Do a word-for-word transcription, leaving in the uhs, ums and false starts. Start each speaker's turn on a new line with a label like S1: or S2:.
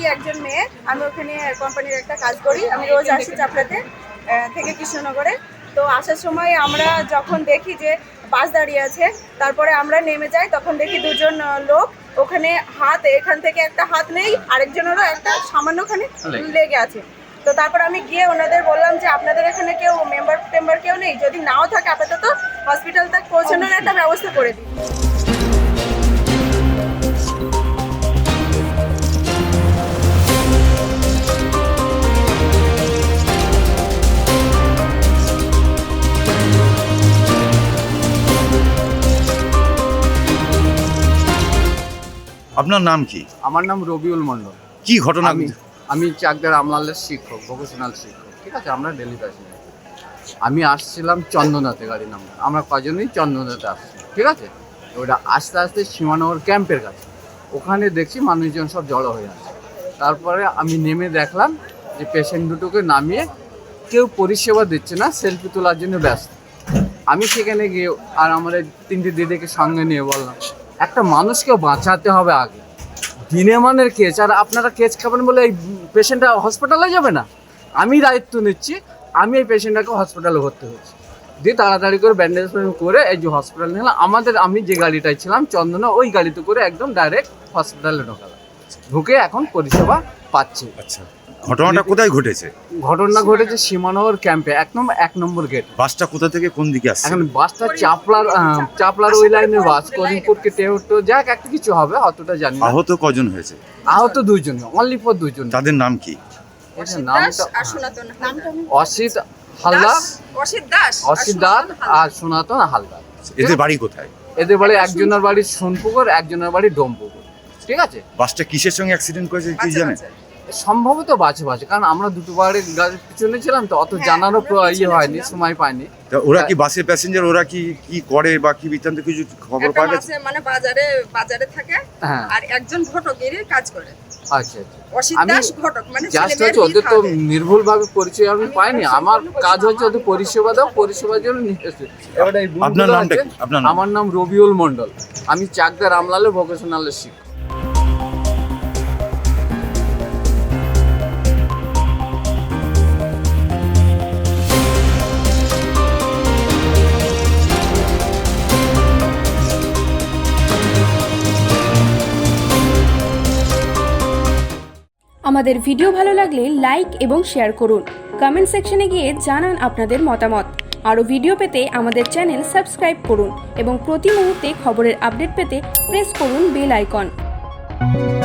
S1: একজন মেয়ে, আমি ওখানে কোম্পানির একটা কাজ করি। আমি রোজ আসি চাপড়াতে থেকে কৃষ্ণনগরে। তো আসার সময় আমরা যখন দেখি যে বাস দাঁড়িয়ে আছে, তারপরে আমরা নেমে যাই, তখন দেখি দুজন লোক ওখানে হাত, এখান থেকে একটা হাত নেই, আরেকজনেরও একটা সামান্যখানে লেগে আছে। তো তারপর আমি গিয়ে ওনাদের বললাম যে আপনাদের এখানে কেউ মেম্বার টেম্বার কেউ নেই, যদি নাও থাকে আপাতত হসপিটাল তক পৌঁছানোর একটা ব্যবস্থা করে দিই।
S2: আপনার নাম কি?
S3: আমার নাম রবিউল মন্ডল।
S2: কি ঘটনা?
S3: আমি আমি চাকদার আমলালের শিক্ষক, ভোকেশনাল শিক্ষক। ঠিক আছে, আমরা ডেলি প্যাসেঞ্জার। আমি আসছিলাম চন্দনাতে, গাড়ি নাম্বার আমরা কজনই চন্দনাতে আসছি। ঠিক আছে, ওটা আস্তে আস্তে সীমানগর ক্যাম্পের কাছে, ওখানে দেখছি মানুষজন সব জড়ো হয়ে আছে। তারপরে আমি নেমে দেখলাম যে পেশেন্ট দুটোকে নামিয়ে কেউ পরিষেবা দিচ্ছে না, সেলফি তোলার জন্য ব্যস্ত। আমি সেখানে গিয়ে আর আমার তিনটে দিদিকে সঙ্গে নিয়ে বললাম একটা মানুষকে বাঁচাতে হবে আগে, দিনে মানের কেস, আর আপনারা কেস খাবেন বলে এই পেশেন্টটা হসপিটালে যাবে না। আমি দায়িত্ব নিচ্ছি, আমি এই পেশেন্টটাকে হসপিটালে ভর্তি হচ্ছি, দিয়ে তাড়াতাড়ি করে ব্যান্ডেজ করে এই যে হসপিটাল নিলাম। আমাদের আমি যে গাড়িটায় ছিলাম চন্দনা, ওই গাড়িতে করে একদম ডাইরেক্ট হসপিটালে ঢোকালাম, ঢুকে এখন পরিষেবা পাচ্ছি।
S2: আচ্ছা, ঘটনাটা কোথায় ঘটেছে?
S3: ঘটনা ঘটেছে সীমানগর ক্যাম্পে, এক নম্বর এক নম্বর গেট।
S2: বাসটা কোথা থেকে কোন দিকে আসছে?
S3: এখন বাসটা চাপলার চাপলার ওই লাইনের বাস, করিমপুরকে টেউটো যাক একটা কিছু হবে, অতটা জানি না।
S2: আহত কজন হয়েছে?
S3: আহত দুইজন, অনলি ফর দুইজন।
S2: তাদের নাম কি?
S3: নামটা অসিত হালদার,
S1: অসিত দাস
S3: অসিত দাস আর সনাতন হালদার।
S2: এদের বাড়ি কোথায়?
S3: এদের বাড়ি একজনের বাড়ি সোনপুকুর, একজনের বাড়ি ডোমপুকুর। ঠিক আছে,
S2: বাসটা কিসের সঙ্গে অ্যাক্সিডেন্ট করেছে কি জানেন?
S3: সম্ভবত বাজে বাজে, কারণ আমরা দুটো বাড়ির গাড়ির পিছনে ছিলাম, তো অত জানারও ইয়ে হয়নি, সময় পাইনি।
S2: তা ওরা কি বাসের প্যাসেঞ্জার, ওরা কি কি করে বা কি বৃত্তান্ত কিছু খবর পাওয়া গেছে?
S1: মানে বাজারে বাজারে থাকে,
S3: হ্যাঁ,
S1: আর একজন ঘটকেরই কাজ করে।
S3: আচ্ছা আচ্ছা,
S1: অসিত
S3: আমি
S1: দাস ঘটক, মানে
S3: জাস্ট হচ্ছে ওদের তো নির্ভুল ভাবে পরিচয় আমি পাইনি। আমার কাজ হচ্ছে ওদের পরিষেবা দাও, পরিষেবার জন্য নিয়ে এসেছি। এবারে এই বন্ধুরা
S2: আপনার নামটা
S3: আছে,
S2: কি? আপনার নাম?
S3: আমার নাম রবিউল মন্ডল, আমি চাকদার আমলালে ভোকেশনালের শিক্ষক।
S4: আমাদের ভিডিও ভালো লাগলে লাইক এবং শেয়ার করুন। কমেন্ট সেকশনে গিয়ে জানান আপনাদের মতামত। আরও ভিডিও পেতে আমাদের চ্যানেল সাবস্ক্রাইব করুন এবং প্রতি মুহূর্তে খবরের আপডেট পেতে প্রেস করুন বেল আইকন।